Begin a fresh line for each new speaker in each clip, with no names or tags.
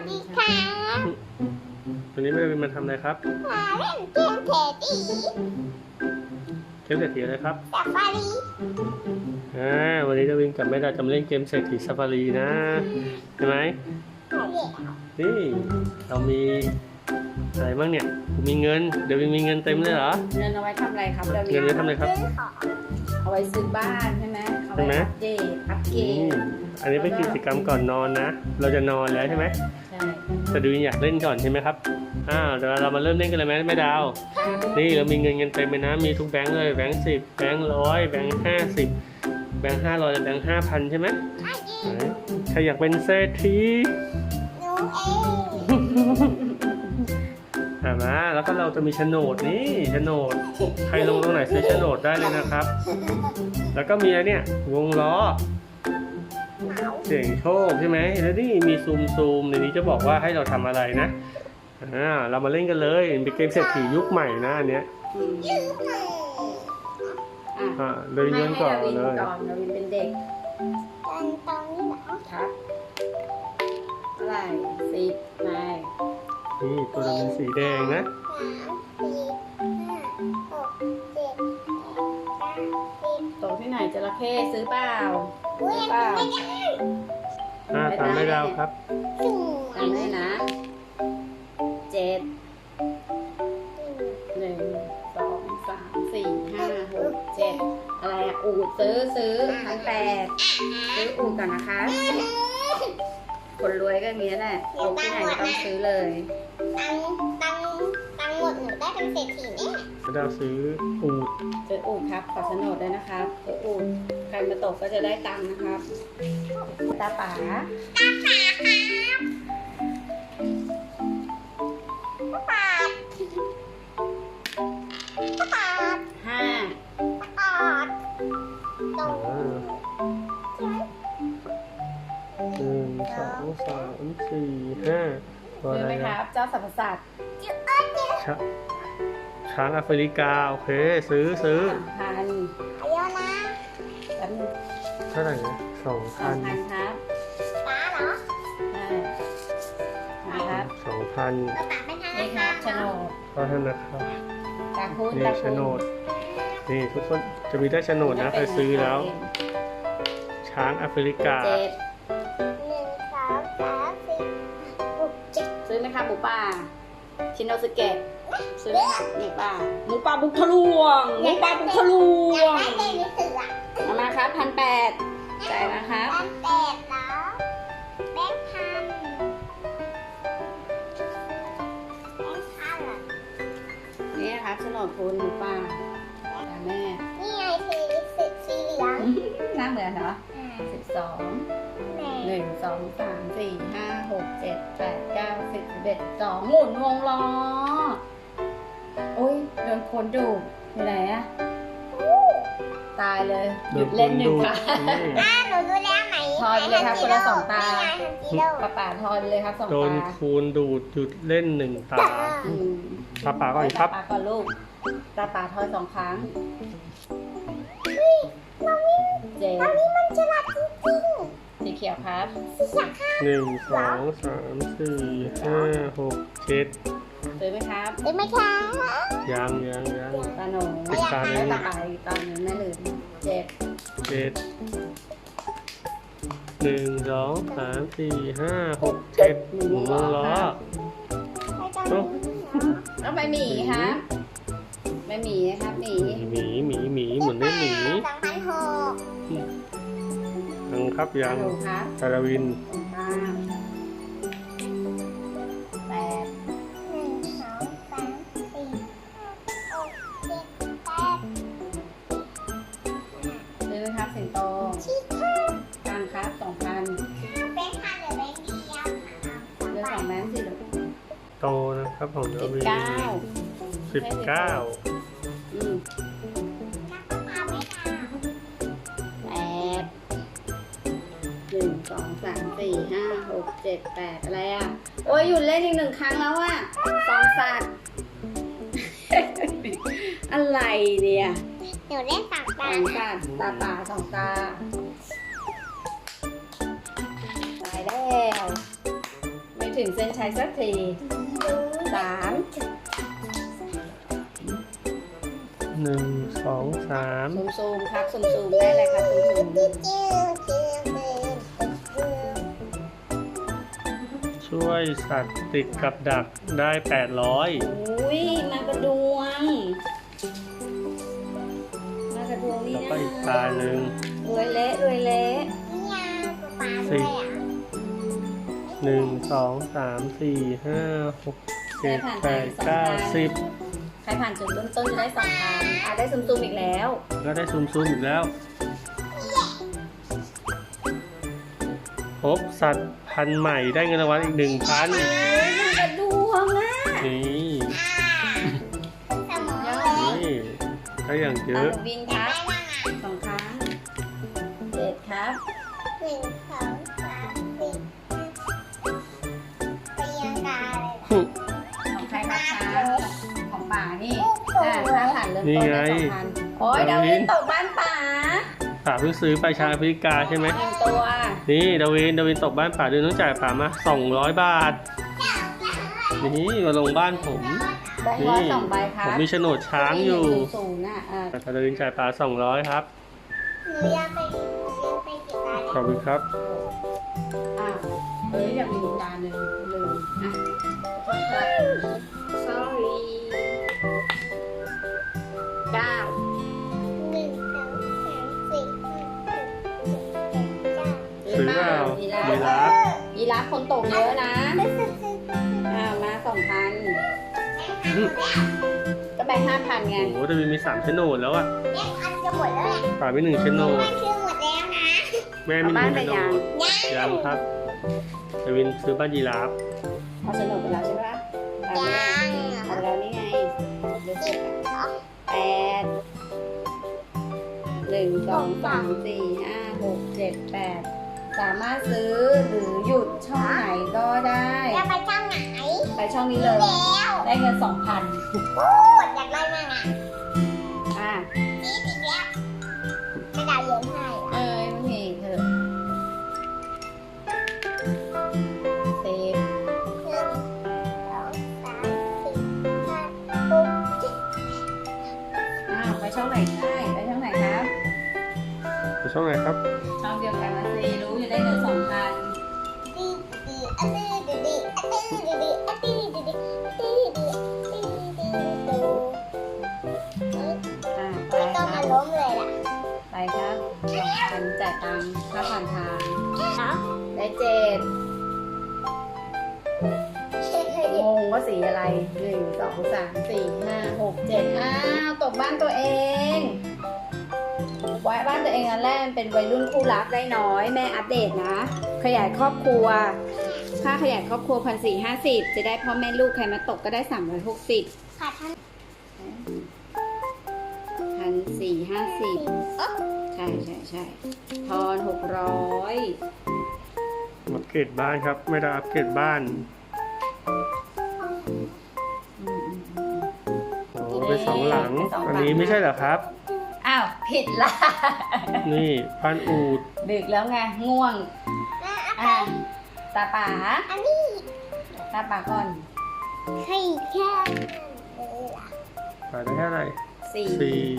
ดีค่ะ
วันนี้แม่วินมาทำอะไรครับ
มาเล่นเกมเทตี
เกมเศรษฐีอะไรครับ
ซาฟารี
วันนี้แม่วินกับแม่ดาจะมาเล่นเกมเศรษฐีซาฟารีนะใช่ไหม
ใช่แล้ว
นี่เรามีอะไรบ้างเนี่ยมีเงินเดี๋ยววินมีเงินเต็มเลยเหรอ
เงินเอาไว้ทำอะไรครับเดี๋ยว
เงินไว้ทำอะไรครับ
ซื้อของ
เอาไว้ซื้อบ้านใช่ไหมเอา
ใช่
ไว้
ไหม
อัปเกรด
อันนี้เป็นกิจกรรมก่อนนอนนะ เราจะนอนแล้วใช่ไหม
ใช่
แต่ดูวินอยากเล่นก่อนใช่ไหมครับเดี๋ยวเรามาเริ่มเล่นกันเลยไหมแม่ดาว นี่เรามีเงินเต็มเลยนะ มีทุกแบงค์เลยแบงค์10แบงค์100แบงค์50แบงค์500และแบงค์5,000ใช่ไหม
ใช่อีก
ใครอยากเป็นเศรษฐี
หนูเอง
มาแล้วก็เราจะมีโฉนดนี่โฉนดใครลงตรงไหนซื้อโฉนดได้เลยนะครับ แล้วก็มีอะไรเนี่ยวงล้อเสี่ยงโชคใช่ไหมแล้วนี่มีซูมในนี้จะบอกว่าให้เราทำอะไรนะเรามาเล่นกันเลยเป็นเกมเศรษฐียุคใหม่นะอันเนี้ย
ยืมเลย
โดยย้อนก่อนเลย
ดาวินเป็นเด็ก
ตอนนี้เหรอ
ครับเท่าไหร่10นาย
นี่ตัวเราเป็นสีแดงนะ
3 4 5 6 7 8 9 10
ตกที่ไหนจระเข้ซื้อเปล่า
อุ้ย
ซื้อเปล่า
ไม่ได้
ตามไม่ดาวครับ
สวย
ทำได้นะ7 1 2 3 4 5 6 7อะไรอ่ะอูดซื้อ1,800ซื้ออูดก่อนนะคะ คนรวยก็มีแหละตกที่ไหนก็ต้องซื้อเลย
ตังหมดหนูได้เป็นเศรษฐีแน่
ไม่ดาวซื้ออูด
ซื้ออูดครับขอโฉนดด้วยนะครับซื้ออูดใครมาตกก็จะได้ตังค์นะครับตาป๋า
ปาดปาด
5
ปาดตรง
1 2 3 4 5ตัว
ซื้
อะ
อ
ไร
ไหมค
นะ
รับ เจ้าสรรพสัตว์
ช้างแอฟริกาโอเคซื้อ
3,000
เยอะนะ
แป๊บนึง
เท่าไหร่นะ
2,000 ครับ
ป้าเหรอ
ใช่นะครับ
2,000
แล้วป้าเป็นทาง
นี่ครับโฉนด
เพราะฉะนั้นนะครับ
ตาคุณ
นี่
ตา
โฉ
คุณ
นดนี่ทุกคนจะมีได้โฉนดนะใครซื้อแล้ว ช้างแอฟริกา
7
1 2 3 4 6 7
ซื้อไหมครับหมูป่าชินโนสึเกะซื้อไหมครับหมูป่าบุกทะลวงหมูป่าบุกทะลว
อยาก
ง
ได้เป็นหนังสืออ่ะ
เอามาครับ1,800จ่ายนะครับ
แบงค์8เหรอแบงค์พันเหรอ
นี่นะครับโฉนดคุณหมูป่าตาแม่
นี่ไงสีเหลือง
หน้าเหมือนเหรอ 12
แหม่
1 2 3 4 5 6 7 8 9 10 11 12หมุนวงล้อโอ้ยโดนคนดูอยู่ไหนอะตายเลยหยุดเล่น1 ครั้ง
หนูดูแล้วไหน
ทอนเลยครับคนละ2 ตา
นี่ไงฮันจิโร่
ป่าทอนเลยครับ2
โดน
ตา
คูณดูดหยุดเล่น1 ตา
อืม
ตาป่าก่อนครับ
ตาป่าก่อนลูกตาป่าทอน2 ครั้งเจ็ด
ตอนนี้มันฉลาดจริง
สีเขียวครับ
ๆสีสักค่ะ
1 2 3 4 5 6 7
ซื้อไหมครับ
ได้ไหมคะ
ยัง
ตาหนู
อีกตาหนึ่
แล้ว
ง
ตาป่าอีกตาหนึ่งแม่ลืม7
7 1 2 3 4 5 6 7หมุนวงล้อ
ไม่ต้อง
โอ้
แล้วไปหมีครับไปหมีนะครับหมี
หมีหมุนได้หมี
2,600
ยังครับยัง
ถูกครับ
คาราวิน
ตรงกลาง8
1 2 3 4 5 6 7
ซื้อไหมครับสิงโต
8ชี้ค่ะ
กลางครับ 2,000
แบงค์พันหรือแบงค์เดียว
เลือก2 แบงค์สิลูก
โตนะครับของคาราวิน
19
19
อืม
นักมะพร้าวไม่
8 1 2 3 4 5 6 7 8
นาน
อะไรอ่ะ โอ้ยหยุดเล่นอีก1 ครั้งแล้วอ่ะ2 สัตว์ อะไรเนี่ย
หนูเล่นสาม
ส
ตา
องตาตาป่า2 ตาตายแล้วไม่ถึงถึงเส้นชัยสักที 3
1 2 3
ซูมครับซูมได้เลยครับซูม
ช่วยสัตว์ติดกับดักได้ 800
อุ้ยมากระดวงนี่
แล้วก็
นะ
อีกตาหนึ่ง
รวยเละ
นี่ยป๊าด้วยอ่ะ
1 2 3 4 5 6 7 8 9 10
ใครผ่านจุดเริ่มต้นจะได้2,000ได้ซูมอีกแล้ว
ก็ได้ซูมอีกแล้ว พบสัตว์พันธุ์ใหม่ได้เงินรางวัลอีก 1,000
มากระดวงอ่ะ
นี่
สมอง
นี่ก็อย่างเยอะ
วินครับ 2 ครั้ง7ครับ
1 2 3 4ไปยังกาเลย
ของใครครับช้าของป่านี่ถ้าผ่านเริ่มต้นได้2,000โอ้ยดาวินตกบ้านป่า
ป่าเพิ่งซื้อไปชาแอฟริกาใช่ไหม
1 ตัว
นี่ดาวินตกบ้านป่าเดือนต้องจ่ายป่ามา200 บาท นี่มาลงบ้านผม
แบงค์ร้อย2 ใบครั
ผ
บ
มมีโฉนดช้างอยู่
0น่ะ
แต่ดาวินจ่ายป่า200 ครับ
หนูอยากไปกี่ตา
ขอบคุณครับ
อยากมีอีกตาหนึ่งลืมขอโทษครับ sorry 9
1 2 3 4 5 6 7 8 9
ซื้อเปล่ายีราฟ
ยีราฟคนตกเยอะนะมา 2,000 ก็แบ่ง 5,000 ไง
โอ้โหดาวินมี3โฉนดแล้วอะ
แม่พันจะหมดแล้วแหละ
ป่ามี1โฉนด
มันคือหมดแล้วนะ
แม่มี1โฉนดยังครับดาวินซื้อบ้านยีราฟ
เอาสนุกไปแล้วใช่ปะเอาไปแล้วนี่ไงดูสิ8 1 2 3 4 5 6 7 8 สามารถซื้อหรือหยุดช่องไหนก็ได้
จะไปช่างไหน
ไปช่องนี้เลย
แล้ว
ได้เงิน 2,000
พูดอยากได้มากอ่ะ
อ่ะ
นี่อีกแล้วไม่ได้เย็นให้อ่ะ
มันมีเถอะ10
1 2 3 4 5 6 7
ไปช่องไหนได้ไปช่องไหนครับ
ไปช่องไหนครับ
ช่องเดียวกันนะสิรู้อยู่ได้เงิน 2,000
ดีดีอันนี้ดีดีอันนี้ดีดีอันนี้ดีดีอันนี้ดีอันนี้ดีดู
ไป
ไม่
ค
ต้อง
รั
มา
บ
ล้มเลยล่ะ
ไปครับ2,000จ่ายตังค์ค่าผ่านทาง
เนาะ
ได้7งงว่าสีอะไร 1 2 3 4 5 6 7อ้าวตกบ้านตัวเองไว้บ้านตัวเองอันแรกเป็นวัยรุ่นคู่รักได้น้อยแม่อัปเดตนะ ขยายครอบครัวค่าขยายครอบครัว1,450จะได้พ่อแม่ลูกใครมาตกก็ได้360
ค่ะท่าน
1,450ใช่ทอน600
อัปเกรดบ้านครับ ไม่ได้อัปเกรดบ้าน โอ้เป็น2 หลัง อันนี้ไม่ใช่เหรอครับ
อ้าวผิดละ
นี่บ้านอูด
ดึกแล้วไงง่วง อ่ะตาป๋า
อันนี้
ตาป๋าก่อน
ใครแค่
ป่าได้แค่ไหน
4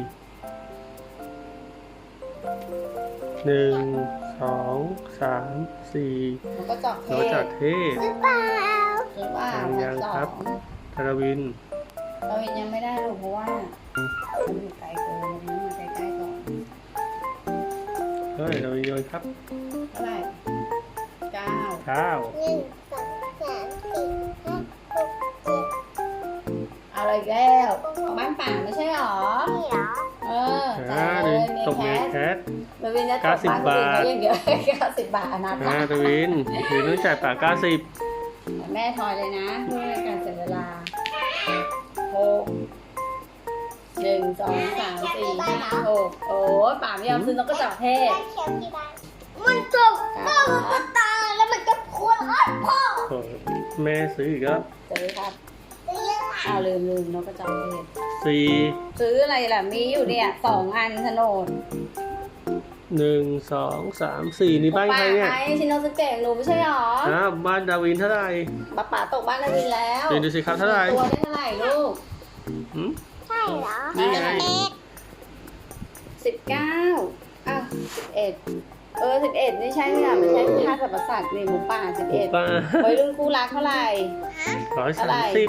1 2 3 4
แล้วก็จอกเท
แล้วจากเทศ
หรือเปล่า
หรือว่า
ยังครับ
2
ธนวิน
เรายังไม่ได้หรอกเพราะว่ามันอยู่ไกลเกินมันมาใกล้ๆก่อน
เฮ้ยธนวินโยนครับ
เท่าไหร่9
9
1 2 3 4 5 6
เอาเลยแล้วบ้านป่าไม่ใช่หรอ
7นี่เหรอ
จ่ายเล
ดิ
ย
ตกเม
มี
แค
แค
ท
ทวินจะตกบ้าน
90 บาท
คนอื่นเขาอย่างเดียว90 บาทอนาถา
ธนวินต้องจ่ายป่า90
แม่ทอยเลยนะเพื่อการเสียเวลา6 1 2 3 4 5 6โอ้ป่าไม่ยอมซื้อนกกระจอกเทศ
บ้านเขียวที่บ้านมันจบก็มันตายแล้วมันก็ควรอ้อนพ่อ
โอ้แม่ซื้ออีกแล้ว
ซื้อครับ
เรื่องอะไร
อ้าวลืมนกกระจอกเทศ
4
ซื้ออะไรล่ะมีอยู่เนี่ย2 อันโฉนด
1 2 3 4นี่บ้านใครเนี่ย
ป้าชินโนสึเกะหนูไม่ใช่หรอ
บ้านดาวินเท่าไหร่
ป๋าตกบ้านดาวินแล้ว
ดูสิครับเท่าไหร่
ตัวได้เท่าไหร่ลูก
หืม
ใช่เหรอ
นี่ไง
19อ้าว11ไม่ใช่ค่ะไม่ใช่ค่าสรรพสัตว์นี่หมูป่า11
ป้า
วัยรุ่นคู่รักเท่าไหร่
130
ร้อยสามสิบ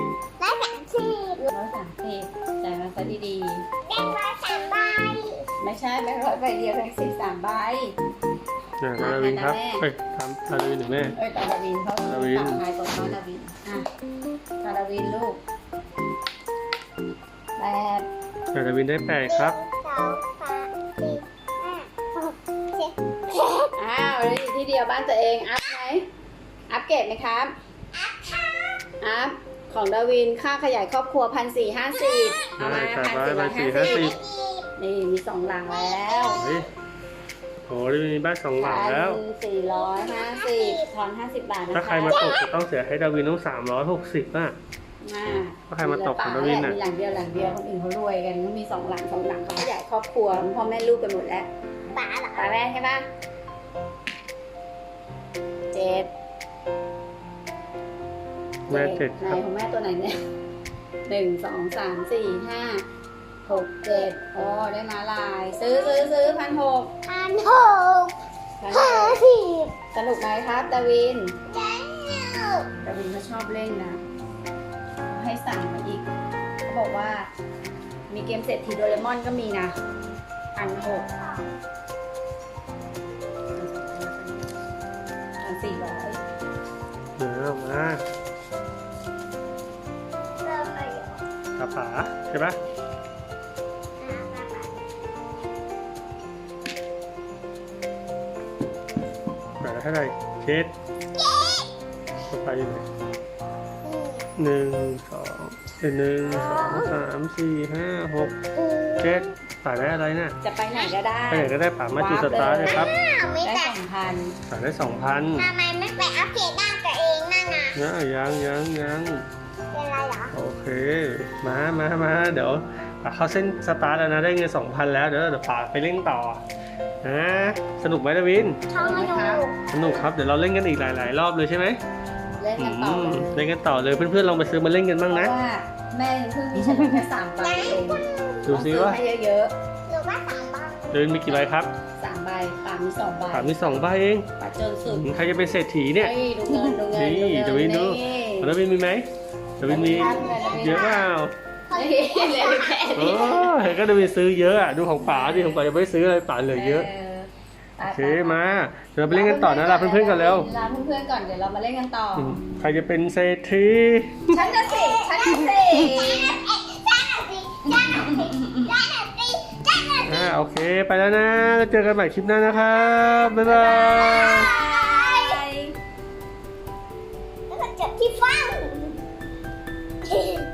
130แต่มาซะดี
แบงค์ร้อยสามใบ
ๆไม่ใช่แบงค์ร้อยใบเดียวแบงค์3 ใบ
ดาวินครับเฮ้ยทำดาวินหรือแม่
ตาดาวินเขา
ดาวิน
ต่างทายก่อนว่าดาวินตาดาวินลูก8
ดาวินได้8ครับ
1 2 3 4 5 6 7
แล้วอยู่ที่เดียวบ้านตัวเองอัพไหมอัพเกรดไหมครับอัพของดาวินค่าขยายครอบครัว1,450เอามา
ได้ครับได้1,450
นี่มี2 หลังแล้ว
เฮ้ยโหดาวินมีบ้าน2 หลังแล้ว
1,450ทอน50 บาทนะคะ
ถ้าใครมาตกจะต้องเสียให้ดาวินต้อง360อ่ะ ถ้าใครมาตกของดาวินน่ะ
มีหลังเดียวคนอื่นเขารวยกันเขามี2 หลังเขาขยายครอบครัวพ่อแม่ลูกกันหมดแล้ว
ป๋าเหรอ
ตาแรกใช่ปะ7
แม่7
ไหน
ครับ
ของแม่ตัวไหนเนี่ย1 2 3 4 5 6 7โอ้ได้มาลาย ซื้อ1,600
1,600
1,600
50
สนุกไหมครับดาวิน
แล้ว
ดาวินเขาชอบเล่นนะเขาให้สั่งมาอีกเขาบอกว่ามีเกมเศรษฐีโดเรมอนก็มีนะ1,600 1,400
มา
เราไปอยู่
ตาป๋าใช่ปะป๋าเท่าไหร่เจ็ดต่อไปอยู่ไหน1 2 3 4 5 6 7ป๋าได้อะไรน่ะ
จะไปไหนก็ได้
ไปไหนก็ได้ป๋ามาจุดสตาร์ทเลยครับ
ไม่
ได้
แต่
2,000
ป๋าได้ 2,000
ทำไมไม่ไปอัปเกรดด้านตัวเองนั่นน่ะ
ยัง
เป็นไรเหรอ
โอเค มาเดี๋ยวป๋าเข้าเส้นสตาร์ทแล้วนะได้เงิน 2,000 แล้วเดี๋ยวป๋าไปเล่นต่อนะสนุกไหมดาวิน
ชอบมาดู
สนุกครับเดี๋ยวเราเล่นกันอีกหลายๆรอบเลยใช่ไหม
เล่นกันต่อเลย
เล่นกันต่อเลยเพื่อนๆลองไปซื้อมาเล่นกันบ้าง
เพ
นะ
ราะว่าแม่เพิ่งมีเฉลี่ยแค่3 ใบเอง
ดูซิว่า
ต้องซื้อให้เยอะ
หรือว่า3 ใบ
เดินมีกี่ใบครับ
ๆ3 ใบป่ามี2 ใบ
ป๋ามี2 ใบเอง
ป่าจนสุด
ใครจะเป็นเศรษฐีเนี่ย
เฮ้ยดูเงิน
นี่ดาวินดู ดาวินมีไหมดาวินมีเยอะเปล่า
นี่เลยแค่
โอ้
นี้
ยก็ดาวินซื้อเยอะอะดูของป๋าดิของป๋ายังไม่ได้ซื้ออะไรป๋าเหลือเยอะโอเคมาเดี๋ยวเราไปเล่นกันต่อนะลาเพื่อนๆกันแล้ว
ลาเพื่อนๆก่อนเดี๋ยวเรามาเล่นกันต่อ
ใครจะเป็นเศรษฐี
ฉันจะสิ
โอเคไปแล้วนะแล้วเจอกันใหม่คลิปหน้านะครับบ๊ายบาย
แล้วก็จบที่ฟัง